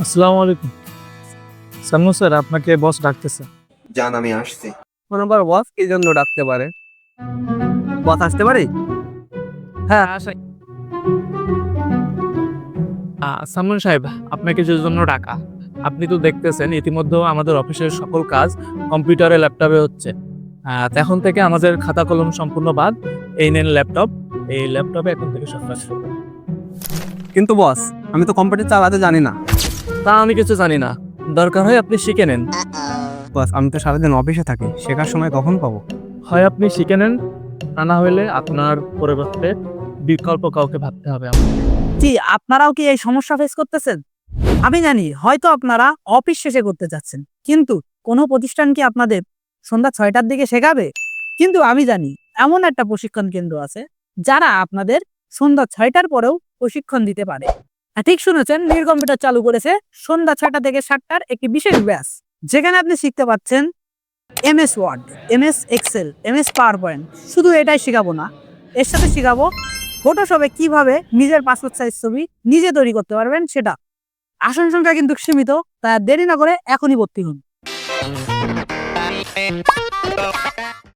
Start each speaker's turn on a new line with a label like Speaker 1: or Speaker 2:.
Speaker 1: আসসালামু আলাইকুম। সালমু স্যার, আপনাকে বস ডাকতেছে।
Speaker 2: যান, আমি আসছি।
Speaker 3: নাম্বার বস কি জন্য ডাকতে পারে? বস আসতে পারে? হ্যাঁ আসাই।
Speaker 1: সালমান সাহেব, আপনাকে যে জন্য ডাকা, আপনি তো দেখতেছেন ইতিমধ্যে আমাদের অফিসের সকল কাজ কম্পিউটারে ল্যাপটপে হচ্ছে। এখন থেকে আমাদের খাতা কলম সম্পূর্ণ বাদ। এই নেন ল্যাপটপ। এই ল্যাপটপে এখন থেকে সব কাজ করবেন।
Speaker 3: কিন্তু বস, আমি তো কম্পিউটার চালাতে জানি না।
Speaker 1: তা আমি কিছু জানি না, দরকার হয় আপনি শিখে নেন।
Speaker 3: বস, আমি তো সারাদিন অফিসে থাকি, শেখার সময় কখন পাবো?
Speaker 1: হয় আপনি শিখে নেন, তা না হলে আপনার পরিবর্তে বিকল্প কাউকে ভাবতে হবে আমাকে।
Speaker 4: জি, আপনারাও কি এই সমস্যা ফেস করতেছেন? আমি জানি হয়তো আপনারা অফিস শেষে করতে চাচ্ছেন, কিন্তু কোনো প্রতিষ্ঠান কি আপনাদের সন্ধ্যা 6টার দিকে শেখাবে? কিন্তু আমি জানি এমন একটা প্রশিক্ষণ কেন্দ্র আছে যারা আপনাদের সন্ধ্যা 6টার পরেও প্রশিক্ষণ দিতে পারে। ঠিক শুনেছেন, নীর কম্পিউটার চালু করেছে সন্ধ্যা 6টা থেকে 7টার একটি বিশেষ ব্যাচ, যেখানে আপনি শিখতে পাচ্ছেন MS Word, MS Excel, MS PowerPoint. শুধু এটাই শেখাবো না, এর সাথে শেখাবো ফটোশপে কিভাবে নিজের পাসপোর্ট সাইজ ছবি নিজে তৈরি করতে পারবেন সেটা। আসন সংখ্যা কিন্তু সীমিত, তাই আর দেরি না করে এখনই ভর্তি হন।